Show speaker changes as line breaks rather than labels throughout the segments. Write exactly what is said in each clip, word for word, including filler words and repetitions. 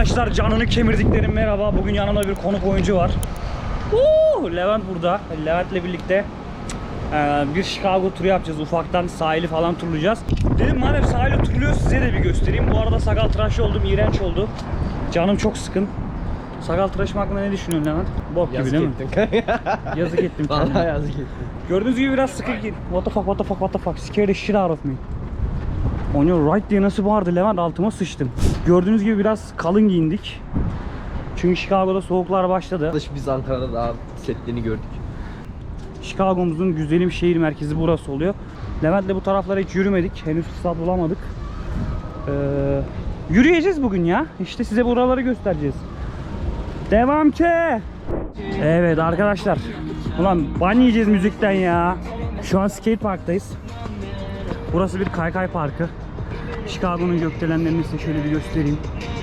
Arkadaşlar canını kemirdiklerim merhaba. Bugün yanımda bir konuk oyuncu var. Uuu, Levent burada. Levent'le birlikte e, bir Chicago turu yapacağız. Ufaktan sahili falan turlayacağız. Dedim madem sahili turluyoruz size de bir göstereyim. Bu arada sakal tıraşı oldum, iğrenç oldu. Canım çok sıkın. Sakal tıraşım hakkında ne düşünüyorsun Levent? Bok gibi değil mi? Yazık ettim.
Vallahi yazık ettim.
Gördüğünüz gibi biraz sıkı git. What the fuck, what the fuck, what the fuck. Scared the shit out of me. On your right diye nasıl bağırdı Levent, altıma sıçtım. Gördüğünüz gibi biraz kalın giyindik. Çünkü Chicago'da soğuklar başladı.
Biz Ankara'da daha setlerini gördük.
Chicago'muzun güzelim şehir merkezi burası oluyor. Levent'le bu taraflara hiç yürümedik. Henüz fırsat bulamadık. Ee, yürüyeceğiz bugün ya. İşte size buraları göstereceğiz. Devam ki. Evet arkadaşlar. Ulan ban yiyeceğiz müzikten ya. Şu an skate parktayız. Burası bir kaykay parkı. Chicago'nun gökdelenlerini size şöyle bir göstereyim.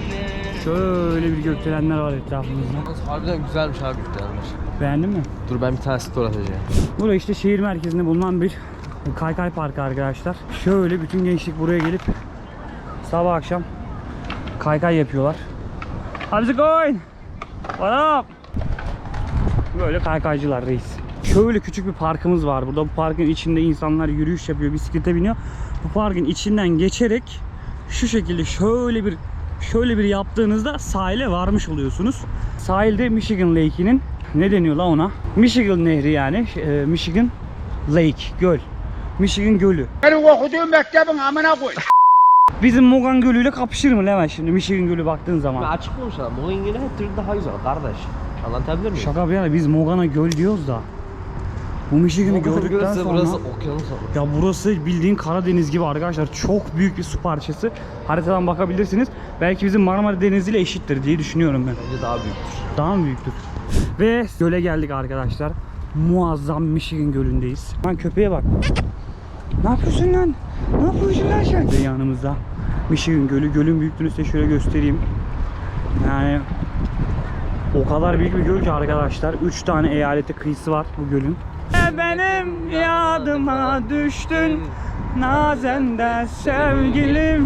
Şöyle bir gökdelenler var etrafımızda.
Harbiden güzelmiş abi güzelmiş.
Beğendin mi?
Dur ben bir tane story atacağım.
Burası işte şehir merkezinde bulunan bir kaykay parkı arkadaşlar. Şöyle bütün gençlik buraya gelip sabah akşam kaykay yapıyorlar. How's it going? What up? Böyle kaykaycılar reis. Şöyle küçük bir parkımız var. Burada bu parkın içinde insanlar yürüyüş yapıyor, bisiklete biniyor. Bu parkın içinden geçerek şu şekilde şöyle bir şöyle bir yaptığınızda sahile varmış oluyorsunuz. Sahilde Michigan Lake'inin ne deniyor la ona? Michigan Nehri yani. E, Michigan Lake, göl. Michigan Gölü.
Benim okuduğum mektebin amına koy.
Bizim Mogan Gölü ile kapışır mı Levent şimdi Michigan Gölü baktığın zaman?
Açık olmuş adam. O İngilizce her türlü daha güzel kardeş. Anlatabilir miyim?
Şaka bir yana biz Mogan'a göl diyoruz da. Bu Michigan'ı gördükten sonra
burası okyanus olur.
ya burası bildiğin Karadeniz gibi arkadaşlar. Çok büyük bir su parçası. Haritadan bakabilirsiniz. Belki bizim Marmara Denizi ile eşittir diye düşünüyorum ben.
Bence daha büyüktür.
Daha mı büyüktür? Ve göle geldik arkadaşlar. Muazzam Michigan Gölü'ndeyiz. Lan köpeğe bak. Ne yapıyorsun lan? Ne yapıyorsun lan sen? Ve yanımızda Michigan Gölü. Gölün büyüklüğünü size şöyle göstereyim. Yani o kadar büyük bir göl ki arkadaşlar. üç tane eyalete kıyısı var bu gölün. Benim yadıma düştün, nazende sevgilim,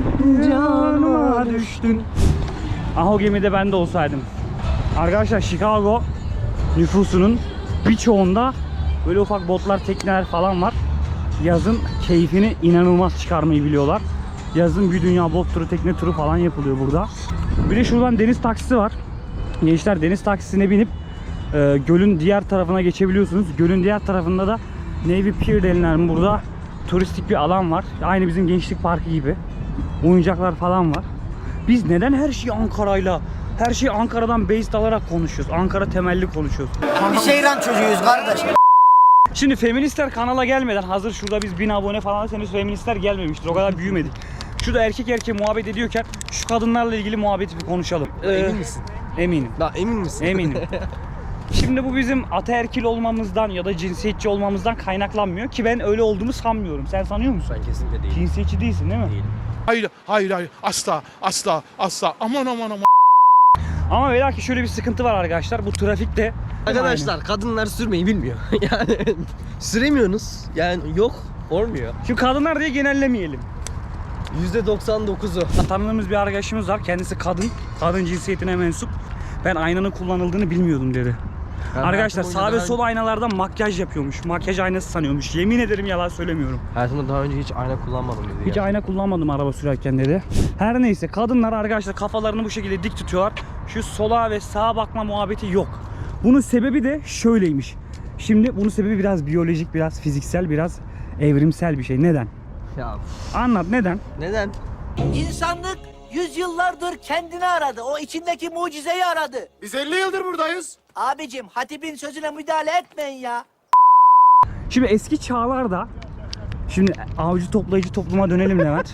canıma düştün. Ah o gemide ben de olsaydım. Arkadaşlar Chicago nüfusunun birçoğunda böyle ufak botlar, tekneler falan var. Yazın keyfini inanılmaz çıkarmayı biliyorlar. Yazın bir dünya bot turu, tekne turu falan yapılıyor burada. Bir de şuradan deniz taksisi var. Gençler deniz taksisine binip e, gölün diğer tarafına geçebiliyorsunuz. Gölün diğer tarafında da Navy Pier denilen burada turistik bir alan var. Aynı bizim gençlik parkı gibi. Oyuncaklar falan var. Biz neden her şeyi Ankara'yla, her şeyi Ankara'dan based alarak konuşuyoruz? Ankara temelli konuşuyoruz.
Bir şehran çocuğuyuz kardeş.
Şimdi feministler kanala gelmeden hazır şurada biz bin abone falan henüz feministler gelmemiştir. O kadar büyümedik. Şurada erkek erkeğe muhabbet ediyorken şu kadınlarla ilgili muhabbeti bir konuşalım.
Emin misin?
Eminim.
Daha emin misin?
Eminim. Şimdi bu bizim ataerkil olmamızdan ya da cinsiyetçi olmamızdan kaynaklanmıyor ki ben öyle olduğumu sanmıyorum. Sen sanıyor musun?
Ben kesinlikle değilim.
Cinsiyetçi değilsin değil mi?
Değilim.
Hayır, hayır, hayır. Asla, asla, asla. Aman aman aman.
Ama ve lakin şöyle bir sıkıntı var arkadaşlar. Bu trafikte
Arkadaşlar kadınlar sürmeyi bilmiyor. Yani süremiyorsunuz. Yani yok, olmuyor.
şu kadınlar diye genellemeyelim.
yüzde doksan dokuzu.
Tanıdığımız bir arkadaşımız var. Kendisi kadın. Kadın cinsiyetine mensup. Ben aynanın kullanıldığını bilmiyordum dedi.
Ben
Arkadaşlar
hayatım
sağ ve
boyunca
sol aynalardan makyaj yapıyormuş. Makyaj aynası sanıyormuş. Yemin ederim yalan söylemiyorum.
Hayatımda daha önce hiç ayna kullanmadım dedi.
Hiç
ya.
ayna kullanmadım araba sürerken dedi. Her neyse kadınlar arkadaşlar kafalarını bu şekilde dik tutuyorlar. Şu sola ve sağa bakma muhabbeti yok. Bunun sebebi de şöyleymiş. Şimdi bunun sebebi biraz biyolojik, biraz fiziksel, biraz evrimsel bir şey. Neden?
Ya
Anlat neden?
neden?
İnsanlık yüzyıllardır kendini aradı. O içindeki mucizeyi aradı.
Biz elli yıldır buradayız.
Abicim hatibin sözüne müdahale etmeyin ya.
Şimdi eski çağlarda, şimdi avcı toplayıcı topluma dönelim Levent.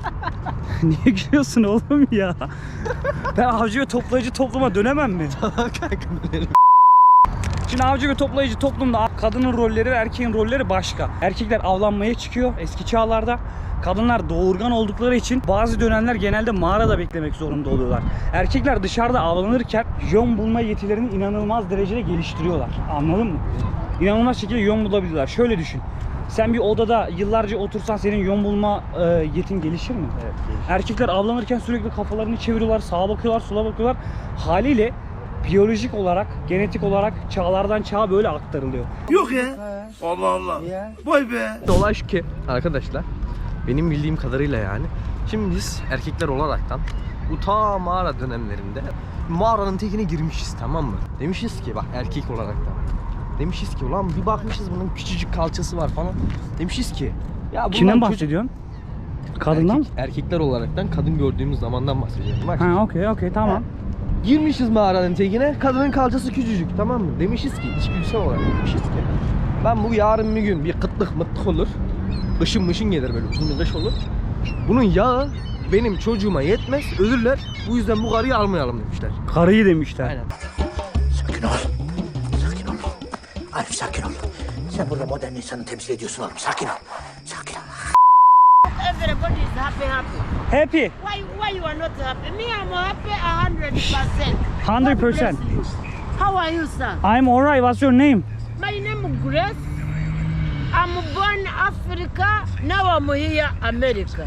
Niye gülüyorsun oğlum ya? Ben avcı ve toplayıcı topluma dönemem mi?
Tamam kanka dönelim.
Şimdi avcı ve toplayıcı toplumda kadının rolleri ve erkeğin rolleri başka. Erkekler avlanmaya çıkıyor eski çağlarda. Kadınlar doğurgan oldukları için bazı dönemler genelde mağarada beklemek zorunda oluyorlar. Erkekler dışarıda avlanırken yön bulma yetilerini inanılmaz derecede geliştiriyorlar. Anladın mı? İnanılmaz şekilde yön bulabiliyorlar. Şöyle düşün. Sen bir odada yıllarca otursan senin yön bulma e, yetin gelişir mi?
Evet, gelişir.
Erkekler avlanırken sürekli kafalarını çeviriyorlar, sağa bakıyorlar, sola bakıyorlar. Haliyle biyolojik olarak, genetik olarak çağlardan çağa böyle aktarılıyor.
Yok ya. Allah Allah. Vay be.
Olay şu ki arkadaşlar, benim bildiğim kadarıyla yani, şimdi biz erkekler olaraktan bu ta mağara dönemlerinde mağaranın tekine girmişiz, tamam mı? Demişiz ki bak, erkek olaraktan demişiz ki ulan bir bakmışız bunun küçücük kalçası var falan. Demişiz ki ya bundan
Kimden
çocuk-
bahsediyorsun? Kadından mı?
Erkek, erkekler olaraktan kadın gördüğümüz zamandan bahsediyorum. Bak,
Ha okey okey tamam.
girmişiz mağaranın tekine, kadının kalçası küçücük, tamam mı? Demişiz ki, içgüdüsel olarak demişiz ki ben bu yarın bir gün bir kıtlık mıtlık olur, ışın mışın gelir, böyle uzun bir kış olur. Bunun yağı benim çocuğuma yetmez, ölürler. Bu yüzden bu karıyı almayalım demişler.
Karıyı demişler.
Aynen.
Sakin ol. Sakin ol. Arif sakin ol. Sen burada modern insanı temsil ediyorsun oğlum. Sakin ol. Sakin ol.
Everybody is happy, happy.
Happy.
Why, why you are not happy? Me, I'm happy a hundred percent.
Hundred percent.
God bless you. How are you, sir?
I'm alright. What's your name?
My name is Grace. I'm born Africa. Now I'm here, America.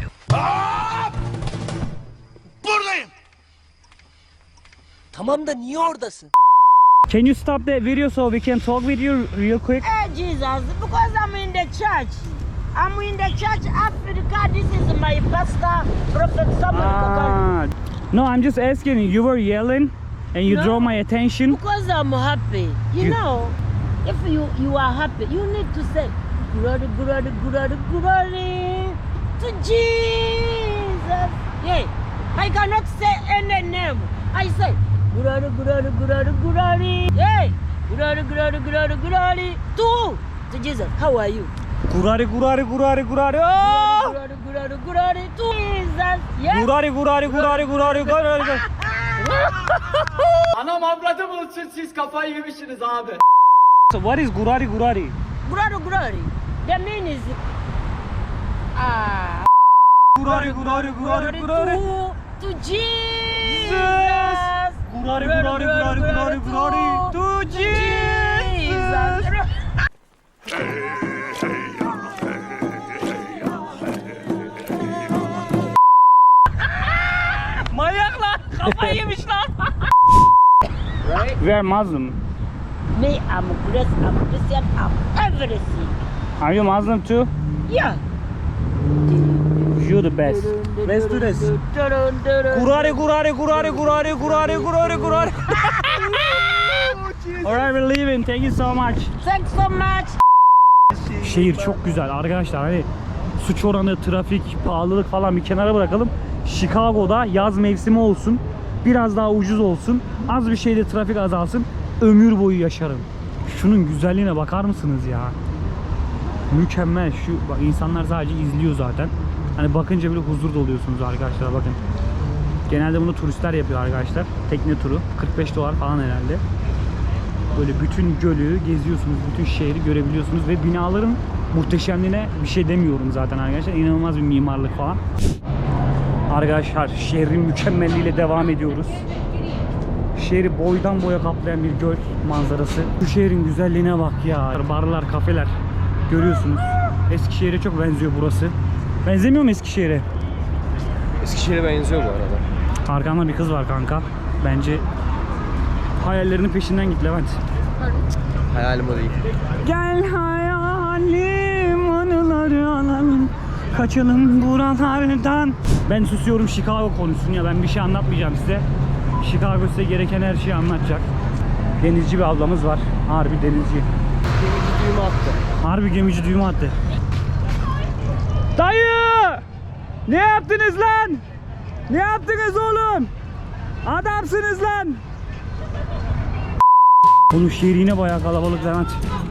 Buradayım.
Tamam da niye oradasın?
Can you stop that video so we can talk with you real quick?
Hey, Jesus, because I'm in the church. I'm in the church, Africa. This is my pastor, Prophet Samuel Kakari.
Ah. No, I'm just asking. You were yelling and you
No.
draw my attention.
Because I'm happy. You,
You-
know, if you, you are happy, you need to say, glory, glory, glory, glory to Jesus. Yeah, I cannot say any name. I say, glory, glory, glory, glory. Yeah, glory, glory, glory, glory to, to Jesus. How are you?
Gurari gurari gurari gurari. Oh!
Glory, glory, glory to Jesus. Yeah.
Gurari gurari gurari gurari gurari.
Anam avradı bulsun, siz kafayı yemişsiniz abi.
So what is gurari gurari?
Glory, glory. The mean is, ah.
Gurari gurari gurari gurari.
To, to Jesus.
Gurari gurari gurari gurari gurari. To Jesus. Manyak lan. Kafayı yemiş lan. We are Muslim.
Me, I'm Grace, I'm Christian, I'm everything.
Are you Muslim too?
Yeah.
You the best. Let's do this. Gurari gurari gurari gurari gurari gurari gurari. Alright, we're leaving. Thank you so much.
Thanks so much.
Şehir çok güzel arkadaşlar. Hani suç oranı, trafik, pahalılık falan bir kenara bırakalım. Chicago'da yaz mevsimi olsun. Biraz daha ucuz olsun. Az bir şeyde trafik azalsın. Ömür boyu yaşarım. Şunun güzelliğine bakar mısınız ya? Mükemmel. Şu bak, insanlar sadece izliyor zaten. Hani bakınca bile huzur doluyorsunuz arkadaşlar, bakın. Genelde bunu turistler yapıyor arkadaşlar. Tekne turu. kırk beş dolar falan herhalde. Böyle bütün gölü geziyorsunuz, bütün şehri görebiliyorsunuz ve binaların muhteşemliğine bir şey demiyorum zaten arkadaşlar. İnanılmaz bir mimarlık falan. Arkadaşlar şehrin mükemmelliğiyle devam ediyoruz. Şehri boydan boya kaplayan bir göl manzarası. Bu şehrin güzelliğine bak ya. Barlar, kafeler görüyorsunuz. Eskişehir'e çok benziyor burası. Benzemiyor mu Eskişehir'e?
Eskişehir'e benziyor bu arada.
Arkamda bir kız var kanka. Bence hayallerinin peşinden git Levent.
Hayalim o değil.
Gel hayalim anıları alalım, kaçalım buralardan. Ben susuyorum, Chicago konuşsun ya, ben bir şey anlatmayacağım size. Chicago size gereken her şeyi anlatacak. Denizci bir ablamız var. Harbi denizci.
Gemici düğümü attı.
Harbi gemici düğümü attı. Dayı! Ne yaptınız lan? Ne yaptınız oğlum? Adamsınız lan! Oğlum şehir yine bayağı kalabalık Levent.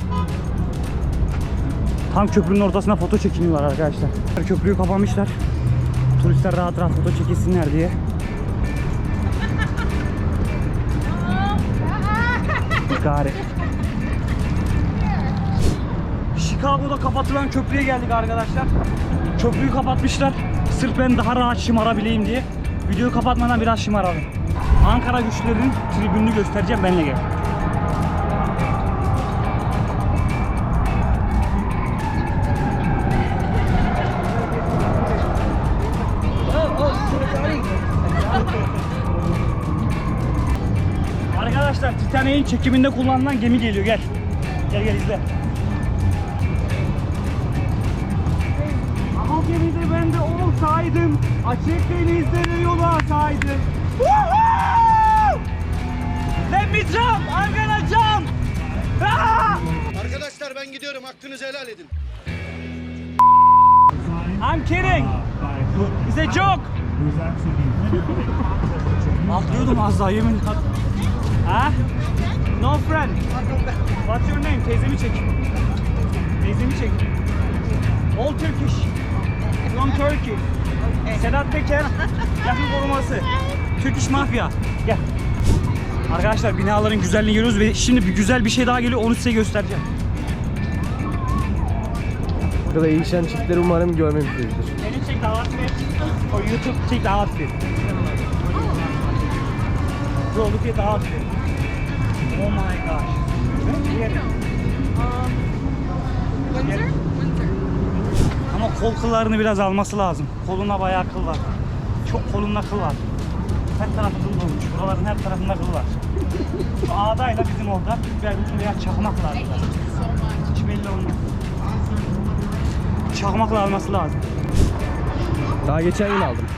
Tam köprünün ortasına foto çekiniyorlar arkadaşlar. Köprüyü kapamışlar. Turistler rahat rahat foto çekilsinler diye. Gari. Chicago'da kapatılan köprüye geldik arkadaşlar. Köprüyü kapatmışlar. Sırf ben daha rahat şımarabileyim diye. Videoyu kapatmadan biraz şımaralım. Ankara güçlerinin tribününü göstereceğim, benimle gel. Arkadaşlar Titanic'in çekiminde kullanılan gemi geliyor, gel. Gel gel izle. Ama o gemide ben de olsaydım, açık denizlere yol alsaydım. Woohoo! Let me jump! I'm gonna jump! Ah!
Arkadaşlar ben gidiyorum. Hakkınızı helal edin.
I'm kidding! It's a joke! Atlıyordum az daha yemin. Ha? No friend. What's your name? Teyzemi çek. Teyzemi çek. All Turkish. From Turkey. Sedat Peker. Yakın koruması. Turkish Mafya. Gel. Arkadaşlar binaların güzelliğini görüyoruz ve şimdi bir güzel bir şey daha geliyor, onu size göstereceğim.
Burada değişen çiftleri umarım görmemişizdir.
Can you check the outfit? Or YouTube check the outfit? Bro, look at the outfit. Oh my gosh. Here.
Windsor? Windsor.
Ama kol kıllarını biraz alması lazım. Koluna bayağı kıl var. Çok kolunda kıl var. Her tarafı kıl olmuş. Buraların her tarafında kıl var. Şu ağdayla bizim orada biber bütün veya çakmak lazım. Hiç belli olmaz. Çakmakla alması lazım.
Daha geçen gün aldım.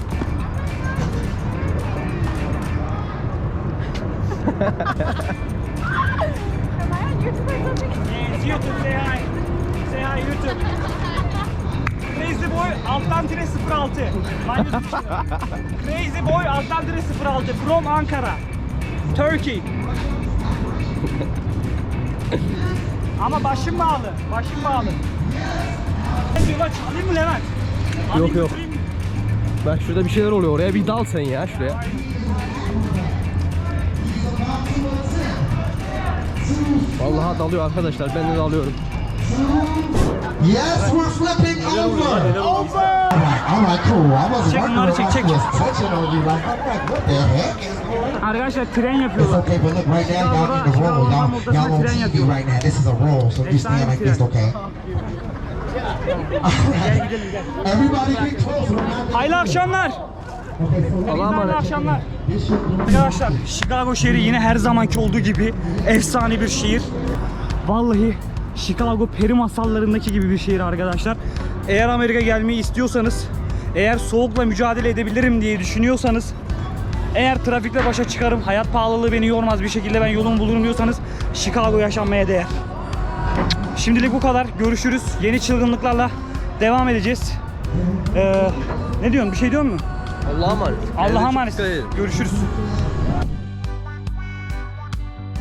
Am I on YouTube or something?
Yes, YouTube, say hi. Say hi YouTube. Crazy Boy alttan tire sıfır altı. Crazy Boy alttan tire sıfır altı from Ankara, Turkey. Ama başım bağlı, başım bağlı. Ben diyorlar çalayım mı Levent? Alayım,
Yok, yok.
götüreyim mi?
Bak şurada bir şeyler oluyor. Oraya bir dal sen ya şuraya. Vallahi dalıyor arkadaşlar. Ben de dalıyorum.
Yes, we're flipping over. Over. All right, cool. I wasn't
Çek
wondering
bunları,
if
çek,
I
çek.
was touching on you like, I'm like, what the heck is going on?
Arkadaşlar tren
It's
yapıyorlar.
okay, but look right now, y'all in the roll. Y'all, y'all on T V right now. This is a roll, so just stand like this, okay? Everybody get close. We're not-
Hayırlı akşamlar.
Allah'a
Hayırlı
emanet.
akşamlar. Arkadaşlar Chicago şehri yine her zamanki olduğu gibi efsane bir şehir. Vallahi Chicago peri masallarındaki gibi bir şehir arkadaşlar. Eğer Amerika gelmeyi istiyorsanız, eğer soğukla mücadele edebilirim diye düşünüyorsanız, eğer trafikle başa çıkarım, hayat pahalılığı beni yormaz bir şekilde ben yolumu bulurum diyorsanız Chicago yaşanmaya değer. Şimdilik bu kadar. Görüşürüz. Yeni çılgınlıklarla devam edeceğiz. Ee, ne diyorsun? Bir şey diyor musun?
Allah'a emanet.
Allah'a
Kendinize çok
emanet.
dikkat edin.
Görüşürüz.